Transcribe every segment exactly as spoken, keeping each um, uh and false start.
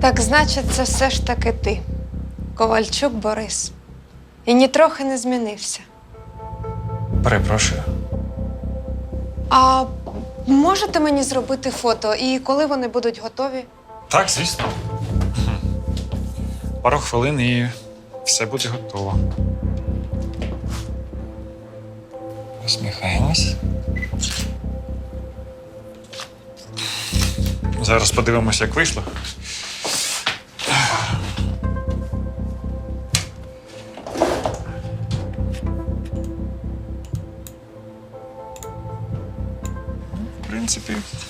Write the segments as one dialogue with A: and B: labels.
A: Так значить, це все ж таки ти, Ковальчук Борис. І нітрохи не змінився.
B: Перепрошую.
A: А можете мені зробити фото? І коли вони будуть готові?
B: Так, звісно. Пару хвилин і все буде готово. Посміхаємось. Зараз подивимося, як вийшло. В принципі.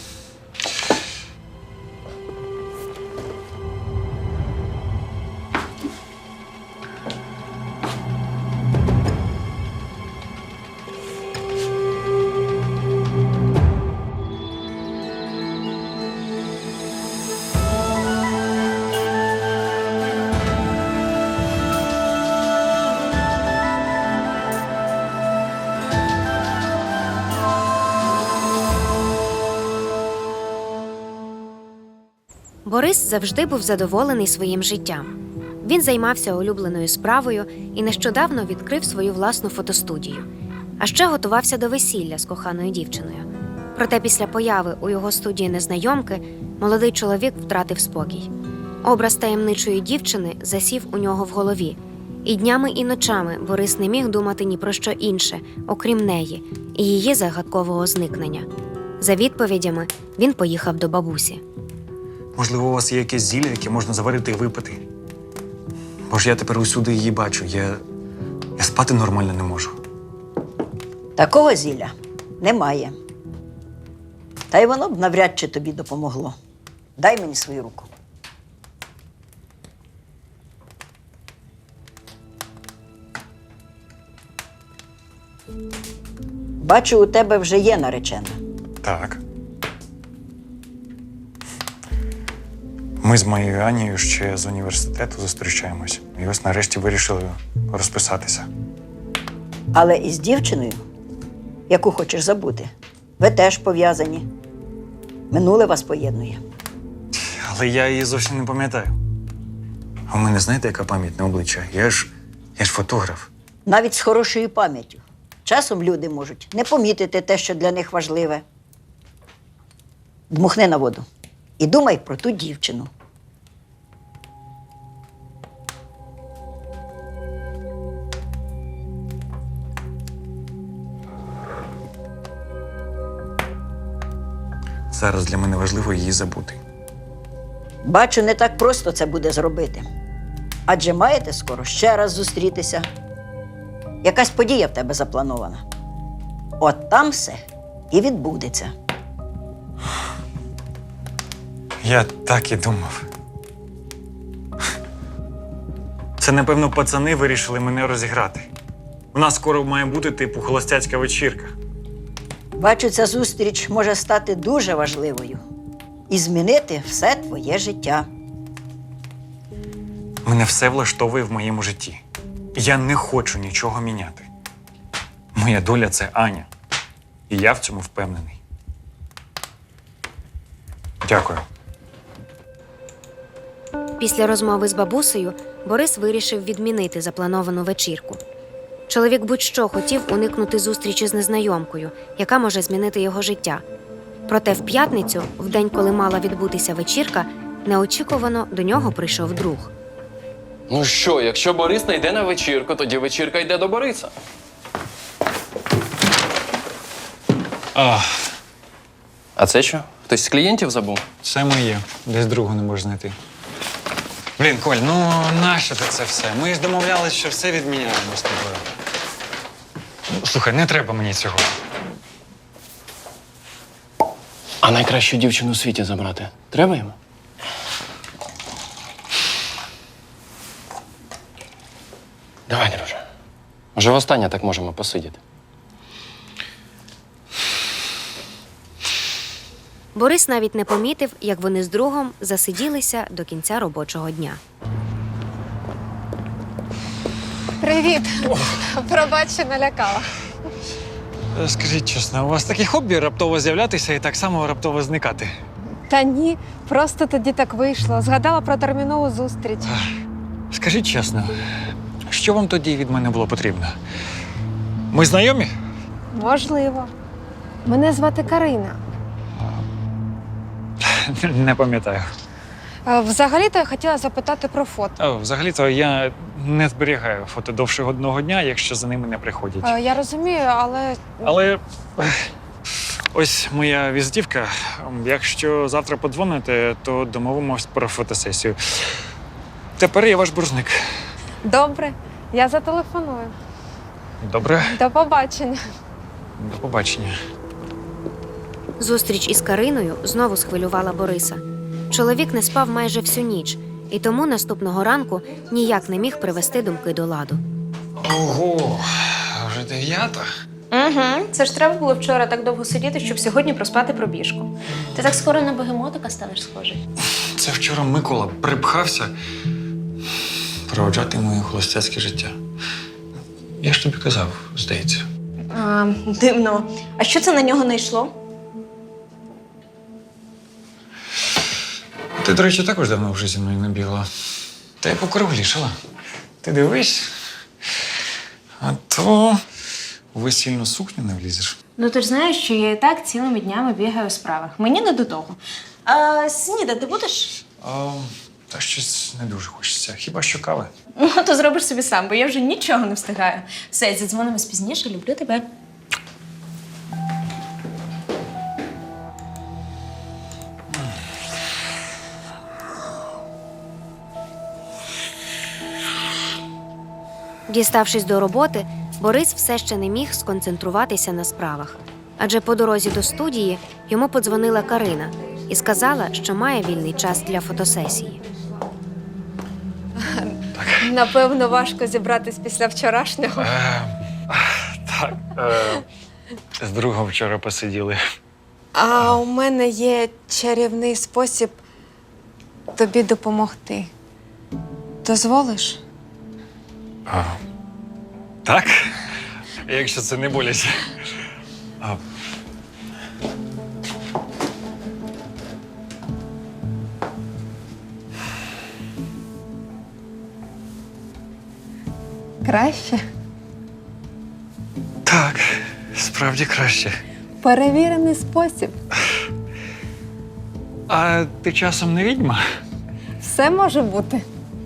C: Борис завжди був задоволений своїм життям. Він займався улюбленою справою і нещодавно відкрив свою власну фотостудію. А ще готувався до весілля з коханою дівчиною. Проте після появи у його студії незнайомки молодий чоловік втратив спокій. Образ таємничої дівчини засів у нього в голові. І днями, і ночами Борис не міг думати ні про що інше, окрім неї і її загадкового зникнення. За відповідями він поїхав до бабусі.
B: Можливо, у вас є якесь зілля, яке можна заварити і випити. Бо ж я тепер усюди її бачу. Я, я спати нормально не можу.
D: Такого зілля немає. Та й воно б навряд чи тобі допомогло. Дай мені свою руку. Бачу, у тебе вже є наречена.
B: Так. Ми з моєю Анією ще з університету зустрічаємось. І ось нарешті вирішили розписатися.
D: Але із дівчиною, яку хочеш забути, ви теж пов'язані. Минуле вас поєднує.
B: Але я її зовсім не пам'ятаю. А у мене знаєте, яка пам'ять на обличчя? Я ж, я ж фотограф.
D: Навіть з хорошою пам'яттю. Часом люди можуть не помітити те, що для них важливе. Дмухни на воду і думай про ту дівчину.
B: Зараз для мене важливо її забути.
D: Бачу, не так просто це буде зробити. Адже маєте скоро ще раз зустрітися. Якась подія в тебе запланована. От там все і відбудеться.
B: Я так і думав. Це, напевно, пацани вирішили мене розіграти. У нас скоро має бути, типу, холостяцька вечірка.
D: Бачу, ця зустріч може стати дуже важливою і змінити все твоє життя.
B: Мене все влаштовує в моєму житті. Я не хочу нічого міняти. Моя доля – це Аня. І я в цьому впевнений. Дякую.
C: Після розмови з бабусею Борис вирішив відмінити заплановану вечірку. Чоловік будь-що хотів уникнути зустрічі з незнайомкою, яка може змінити його життя. Проте в п'ятницю, в день, коли мала відбутися вечірка, неочікувано до нього прийшов друг.
E: Ну що, якщо Борис не йде на вечірку, тоді вечірка йде до Бориса.
B: А,
E: А це що? Хтось з клієнтів забув?
B: це моє. Десь другу не можу знайти. Блін, Коль, ну нащо ти це все? Ми ж домовлялись, що все відміняємо з тобою. Ну, слухай, не треба мені цього.
E: А найкращу дівчину у світі забрати треба йому? Давай, друже. Може, востаннє так можемо посидіти.
C: Борис навіть не помітив, як вони з другом засиділися до кінця робочого дня.
A: Привіт! Пробач, що налякала.
B: Скажіть чесно, у вас таке хобі раптово з'являтися і так само раптово зникати?
A: Та ні, просто тоді так вийшло. Згадала про термінову зустріч.
B: Скажіть чесно, що вам тоді від мене було потрібно? Ми знайомі?
A: Можливо. Мене звати Карина.
B: Не пам'ятаю.
A: Е, Взагалі-то я хотіла запитати про фото.
B: О, взагалі-то я не зберігаю фото довше одного дня, якщо за ними не приходять.
A: Е, Я розумію, але
B: Але ех, ось моя візитівка. Якщо завтра подзвоните, то домовимось про фотосесію. Тепер я ваш боржник.
A: добре, я зателефоную.
B: Добре,
A: До побачення.
B: до побачення.
C: Зустріч із Кариною знову схвилювала Бориса. Чоловік не спав майже всю ніч, і тому наступного ранку ніяк не міг привести думки до ладу.
B: Ого, вже дев'ята?
F: Угу. Це ж треба було вчора так довго сидіти, щоб сьогодні проспати пробіжку. Ти так скоро на бегемотика станеш схожий.
B: Це вчора Микола припхався проводжати моє холостяцьке життя. Я ж тобі казав, здається.
F: А, дивно. А що це на нього не йшло?
B: Ти, до речі, також давно вже зі мною не бігла. Та й покруглішала. Ти дивись. А то у весільну сукню не влізеш.
F: Ну ти ж знаєш, що я і так цілими днями бігаю у справах. Мені не до того. А снідати будеш?
B: А, та щось не дуже хочеться. Хіба що кави?
F: Ну, то зробиш собі сам, бо я вже нічого не встигаю. Все, задзвонимось пізніше, люблю тебе.
C: Діставшись до роботи, Борис все ще не міг сконцентруватися на справах. Адже по дорозі до студії йому подзвонила Карина і сказала, що має вільний час для фотосесії.
A: Напевно, важко зібратись після вчорашнього.
B: Е, так. Е, з другом вчора посиділи.
A: А у мене є чарівний спосіб тобі допомогти. Дозволиш?
B: А, так? Якщо це не боляче. А,
A: Краще.
B: так, справді краще.
A: Перевірений спосіб.
B: А ти часом не відьма?
A: Все може бути.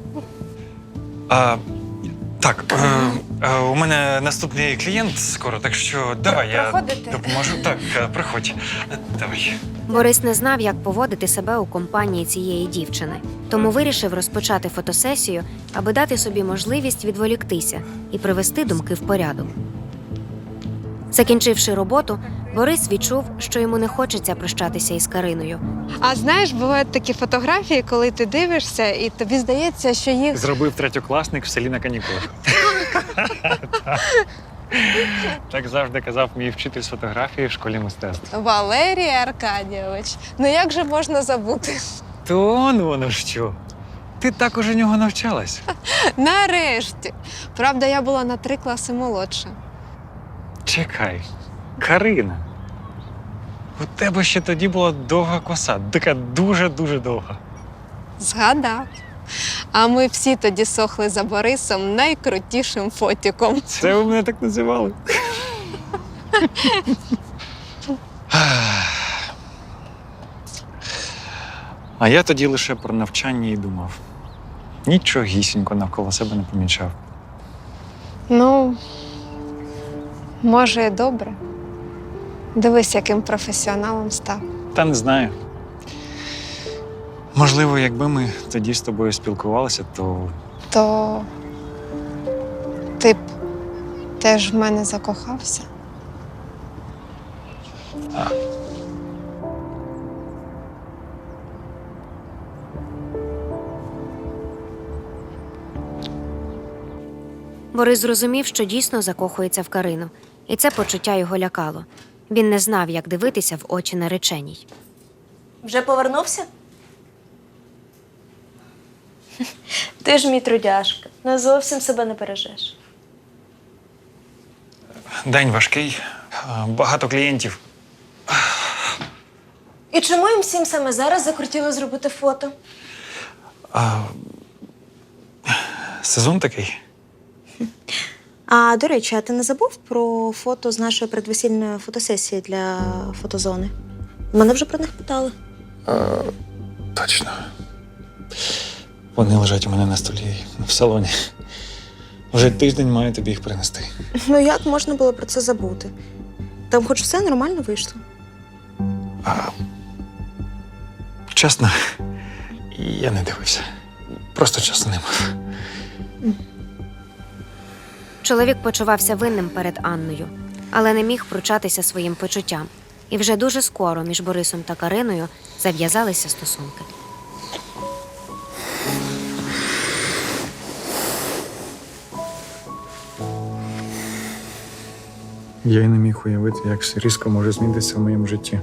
B: А, так, е, е, у мене наступний клієнт скоро, так що давай я
A: Проходите?
B: допоможу. Так, е, приходь. Е, Давай.
C: Борис не знав, як поводити себе у компанії цієї дівчини, тому вирішив розпочати фотосесію, аби дати собі можливість відволіктися і привести думки в порядок. Закінчивши роботу, Борис відчув, що йому не хочеться прощатися із Кариною.
A: А знаєш, бувають такі фотографії, коли ти дивишся, і тобі здається, що їх
B: Зробив третьокласник в селі на канікулах. Так завжди казав мій вчитель з фотографії в школі мистецтв.
A: Валерій Аркадійович. Ну як же можна забути?
B: То он воно що. Ти також у нього навчалась.
A: Нарешті. Правда, я була на три класи молодша.
B: Чекай, Карина. У тебе ще тоді була довга коса, така дуже-дуже довга.
A: Згадав. А ми всі тоді сохли за Борисом найкрутішим фотіком.
B: Це ви мене так називали? А я тоді лише про навчання і думав. Нічогісінько навколо себе не помічав.
A: Ну, може, і добре. Дивись, яким професіоналом став.
B: Та не знаю. Можливо, якби ми тоді з тобою спілкувалися, то
A: То ти б теж в мене закохався.
C: Борис зрозумів, що дійсно закохується в Карину, і це почуття його лякало. Він не знав, як дивитися в очі нареченій.
F: Вже повернувся? Ти ж мій трудяшка. Не зовсім себе не бережеш.
B: день важкий, багато клієнтів.
F: І чому їм всім саме зараз закрутіло зробити фото?
B: А... Сезон такий.
G: А до речі, а ти не забув про фото з нашої предвесільної фотосесії для фотозони? Мене вже про них питали.
B: А, точно. Вони лежать у мене на столі в салоні. Вже тиждень маю тобі їх принести.
G: Ну як можна було про це забути? Там хоч все нормально вийшло.
B: А... Чесно, я не дивився. Просто часу не мав.
C: Чоловік почувався винним перед Анною, але не міг пручатися своїм почуттям. І вже дуже скоро між Борисом та Кариною зав'язалися стосунки.
B: Я й не міг уявити, як все різко може змінитися в моєму житті.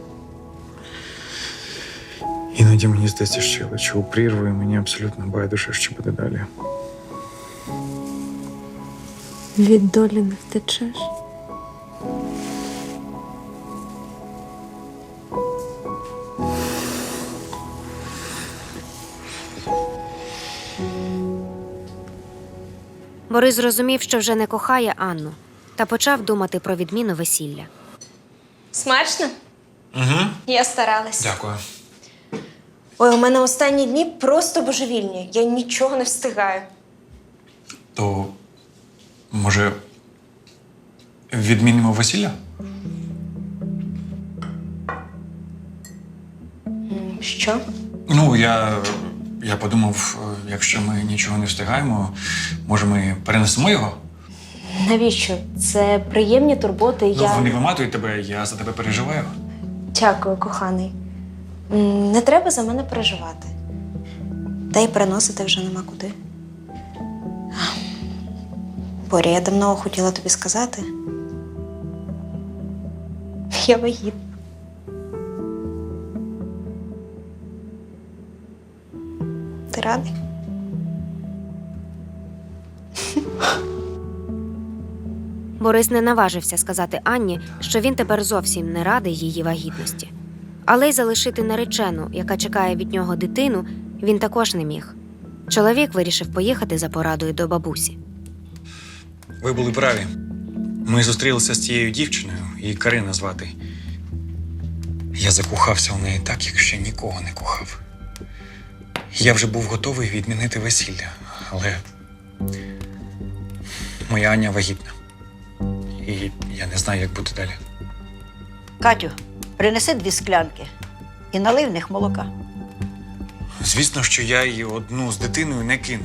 B: Іноді мені здається, що я лечу у прірву, і мені абсолютно байдуже, що буде далі.
G: Від долі не втечеш.
C: Борис зрозумів, що вже не кохає Анну, та почав думати про відміну весілля.
F: Смачно?
B: Угу.
F: Я старалась.
B: Дякую.
F: Ой, у мене останні дні просто божевільні. Я нічого не встигаю.
B: То, може, відмінимо весілля?
F: М, Що?
B: Ну, я, я подумав, якщо ми нічого не встигаємо, може ми перенесемо його?
F: Навіщо? Це приємні турботи.
B: Ну,
F: Я...
B: вони виматують тебе, я за тебе переживаю.
F: Дякую, коханий. М, Не треба за мене переживати.
G: Та й переносити вже нема куди. Боря, я давно хотіла тобі сказати.
F: Я вагітна.
G: Ти радий?
C: Борис не наважився сказати Анні, що він тепер зовсім не радий її вагітності. Але й залишити наречену, яка чекає від нього дитину, він також не міг. Чоловік вирішив поїхати за порадою до бабусі.
B: Ви були праві. Ми зустрілися з цією дівчиною, її Карина звати. Я закохався в неї так, як ще нікого не кохав. Я вже був готовий відмінити весілля, але моя Аня вагітна. І я не знаю, як буде далі.
D: Катю, принеси дві склянки і налий в них молока.
B: Звісно, що я її одну з дитиною не кину.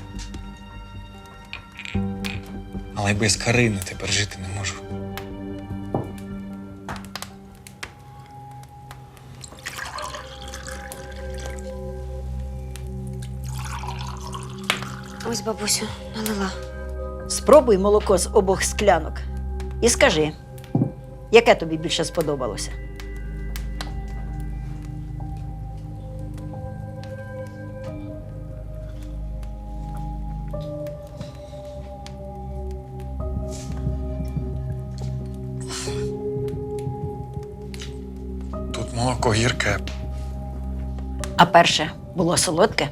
B: Але без Карини тепер жити не можу.
C: Ось бабусю, налила.
D: Спробуй молоко з обох склянок і скажи, яке тобі більше сподобалося.
B: Тут молоко гірке.
D: А перше було солодке?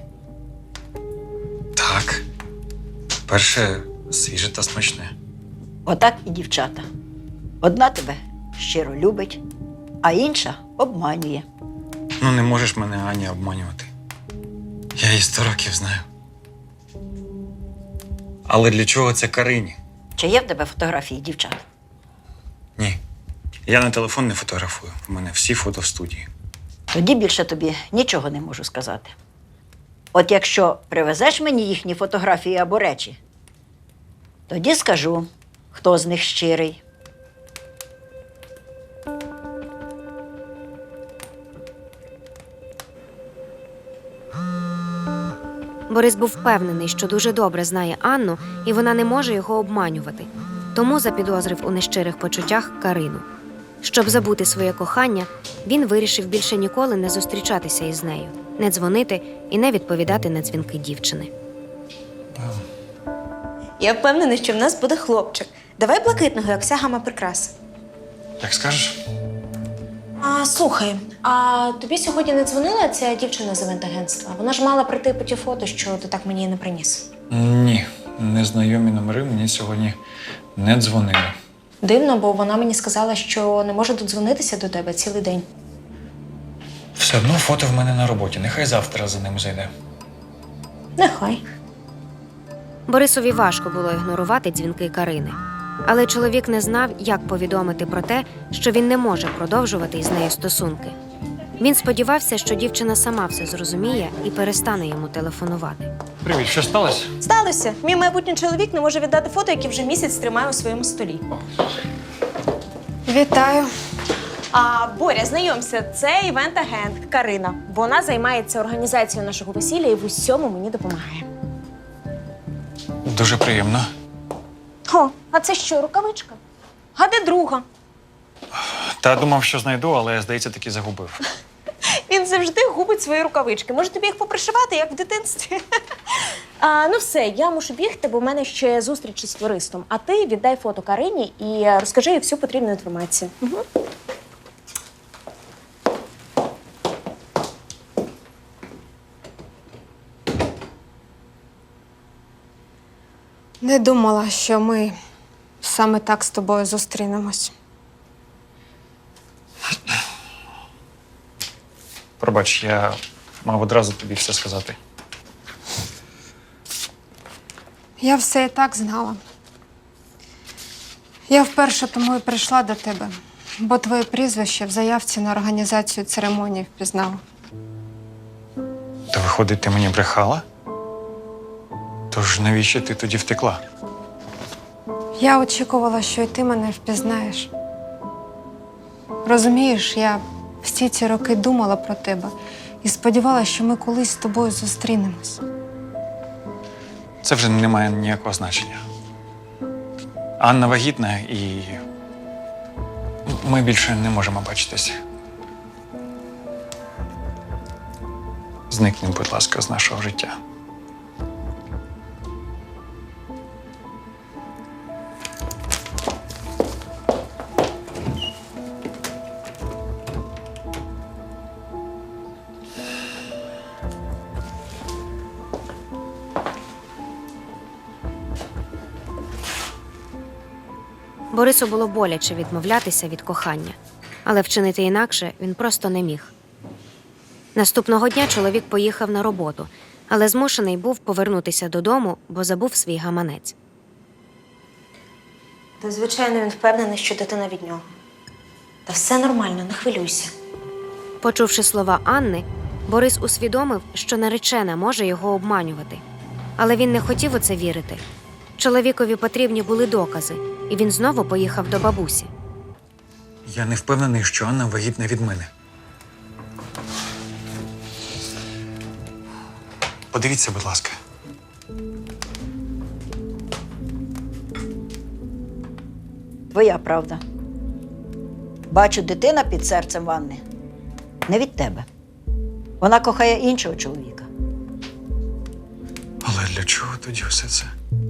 B: Так. Перше свіже та смачне.
D: Отак і дівчата. Одна тебе щиро любить, а інша обманює.
B: Ну, не можеш мене, Аня, обманювати. Я її сто років знаю. Але для чого це Карині?
D: Чи є в тебе фотографії дівчат?
B: Ні. Я на телефон не фотографую. У мене всі фото в студії.
D: Тоді більше тобі нічого не можу сказати. От якщо привезеш мені їхні фотографії або речі, тоді скажу, хто з них щирий.
C: Борис був впевнений, що дуже добре знає Анну, і вона не може його обманювати. Тому запідозрив у нещирих почуттях Карину. Щоб забути своє кохання, він вирішив більше ніколи не зустрічатися із нею, не дзвонити і не відповідати на дзвінки дівчини.
G: Я впевнена, що в нас буде хлопчик. Давай блакитного, як вся гама прикрас.
B: Як скажеш?
F: А слухай, а тобі сьогодні не дзвонила ця дівчина з івент-агентства? Вона ж мала прийти по ті фото, що ти так мені і не приніс.
B: Ні, незнайомі номери мені сьогодні не дзвонили.
F: Дивно, бо вона мені сказала, що не може додзвонитися до тебе цілий день.
B: Все одно фото в мене на роботі. Нехай завтра за ним зайде.
F: Нехай.
C: Борисові важко було ігнорувати дзвінки Карини. Але чоловік не знав, як повідомити про те, що він не може продовжувати із нею стосунки. Він сподівався, що дівчина сама все зрозуміє і перестане йому телефонувати.
B: Привіт, що сталося?
F: Сталося. Мій майбутній чоловік не може віддати фото, які вже місяць тримає у своєму столі.
A: Вітаю.
F: А Боря, знайомся, це івент-агент Карина. Вона займається організацією нашого весілля і в усьому мені допомагає.
B: Дуже приємно.
F: О, а це що, рукавичка? А де друга?
B: Та думав, що знайду, але, здається, таки загубив.
F: Він завжди губить свої рукавички. Може, тобі їх попришивати, як в дитинстві? А, ну все, я мушу бігти, бо в мене ще зустріч із флористом. А ти віддай фото Карині і розкажи їй всю потрібну інформацію. Угу.
A: Не думала, що ми саме так з тобою зустрінемось.
B: Пробач, я мав одразу тобі все сказати.
A: Я все і так знала. Я вперше тому і прийшла до тебе, бо твоє прізвище в заявці на організацію церемонії впізнала.
B: То виходить, ти мені брехала? Тож навіщо ти тоді втекла?
A: Я очікувала, що і ти мене впізнаєш. Розумієш, я всі ці роки думала про тебе і сподівалася, що ми колись з тобою зустрінемось.
B: Це вже не має ніякого значення. Анна вагітна і ми більше не можемо бачитися. Зникни, будь ласка, з нашого життя.
C: Борису було боляче відмовлятися від кохання, але вчинити інакше він просто не міг. Наступного дня чоловік поїхав на роботу, але змушений був повернутися додому, бо забув свій гаманець.
F: Та, звичайно, він впевнений, що дитина від нього. Та все нормально, не хвилюйся.
C: Почувши слова Анни, Борис усвідомив, що наречена може його обманювати. Але він не хотів у це вірити. Чоловікові потрібні були докази, і він знову поїхав до бабусі.
B: Я не впевнений, що Анна вагітна від мене. Подивіться, будь ласка.
D: Твоя правда. Бачу, дитина під серцем Ванни не від тебе. Вона кохає іншого чоловіка.
B: Але для чого тоді все це?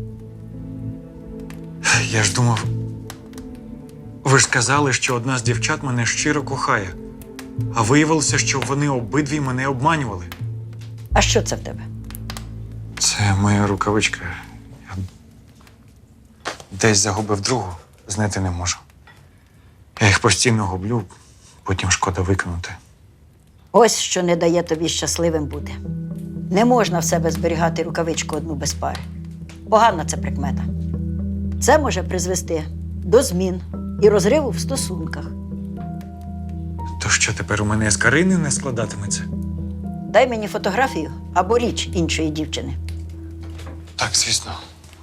B: Я ж думав, ви ж сказали, що одна з дівчат мене щиро кохає, а виявилося, що вони обидві мене обманювали.
D: А що це в тебе?
B: Це моя рукавичка. Я десь загубив другу, знайти не можу. Я їх постійно гублю, потім шкода викинути.
D: Ось що не дає тобі щасливим бути. Не можна в себе зберігати рукавичку одну без пари. Погана це прикмета. Це може призвести до змін і розриву в стосунках.
B: То що тепер у мене з Карини не складатиметься?
D: Дай мені фотографію або річ іншої дівчини.
B: Так, звісно.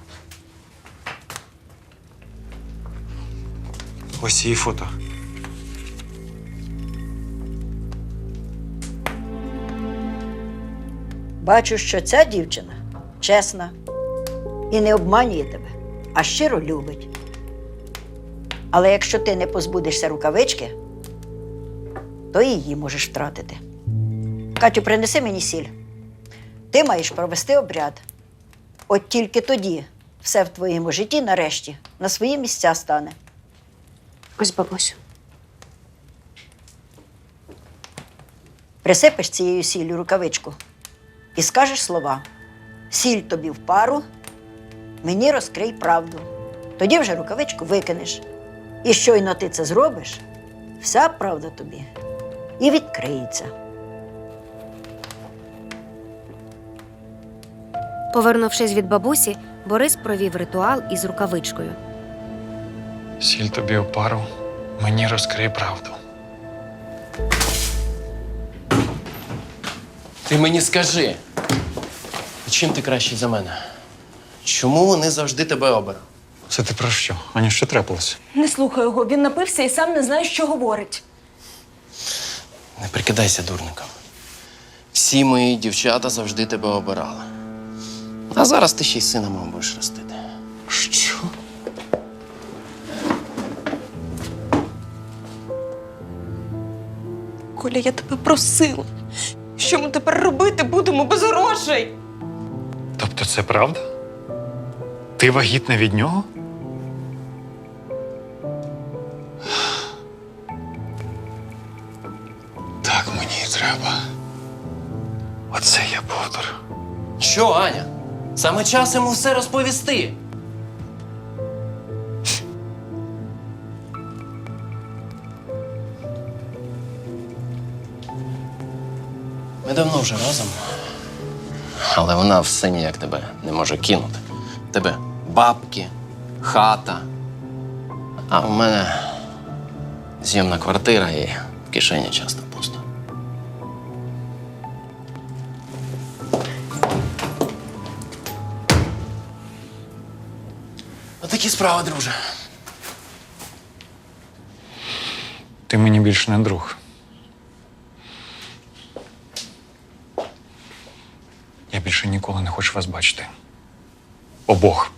B: Ось її фото.
D: Бачу, що ця дівчина чесна і не обманює тебе, а щиро любить. Але якщо ти не позбудешся рукавички, то і її можеш втратити. Катю, принеси мені сіль. Ти маєш провести обряд. От тільки тоді все в твоєму житті нарешті на свої місця стане.
F: Ось, бабусю.
D: Присипеш цією сіллю рукавичку і скажеш слова: сіль тобі в пару, мені розкрий правду. Тоді вже рукавичку викинеш. І щойно ти це зробиш, вся правда тобі і відкриється.
C: Повернувшись від бабусі, Борис провів ритуал із рукавичкою.
B: Сіль тобі у пару, мені розкрий правду.
E: Ти мені скажи, чим ти кращий за мене? Чому вони завжди тебе оберуть?
B: Це ти про що? Аня, що трапилося?
F: Не слухай його, він напився і сам не знає, що говорить.
E: Не прикидайся дурником. Всі мої дівчата завжди тебе обирали. А зараз ти ще й сина мого будеш ростити.
B: Що?
F: Коля, я тебе просила. Що ми тепер робити будемо без грошей?
B: Тобто це правда? Ти вагітна від нього? Так мені і треба. Оце я повтор.
E: Що, Аня? Саме час йому все розповісти. Ми давно вже разом. Але вона все ніяк тебе не може кинути. В тебе бабки, хата. А в мене зйомна квартира і в кишені часто пусто. Отакі справи, друже.
B: Ти мені більше не друг. Я більше ніколи не хочу вас бачити. Обох.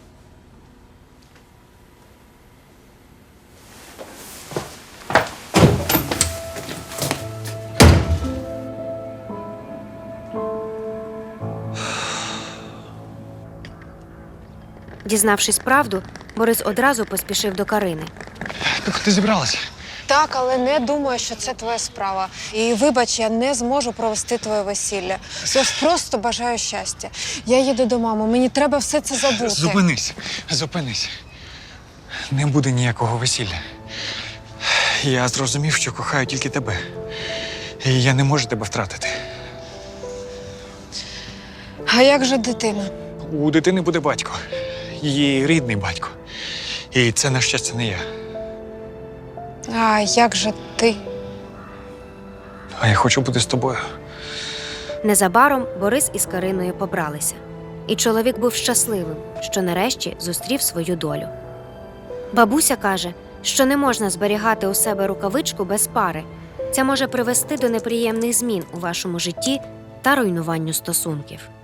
C: Дізнавшись правду, Борис одразу поспішив до Карини.
B: Ти куди зібралася?
A: Так, але не думаю, що це твоя справа. І вибач, я не зможу провести твоє весілля. Я ж просто бажаю щастя. Я їду до мами, мені треба все це забути.
B: Зупинись, зупинись. Не буде ніякого весілля. Я зрозумів, що кохаю тільки тебе. І я не можу тебе втратити.
A: А як же дитина?
B: У дитини буде батько. Її рідний батько. І це, на щастя, не я.
A: А як же ти?
B: А я хочу бути з тобою.
C: Незабаром Борис із Кариною побралися. І чоловік був щасливим, що нарешті зустрів свою долю. Бабуся каже, що не можна зберігати у себе рукавичку без пари. Це може привести до неприємних змін у вашому житті та руйнуванню стосунків.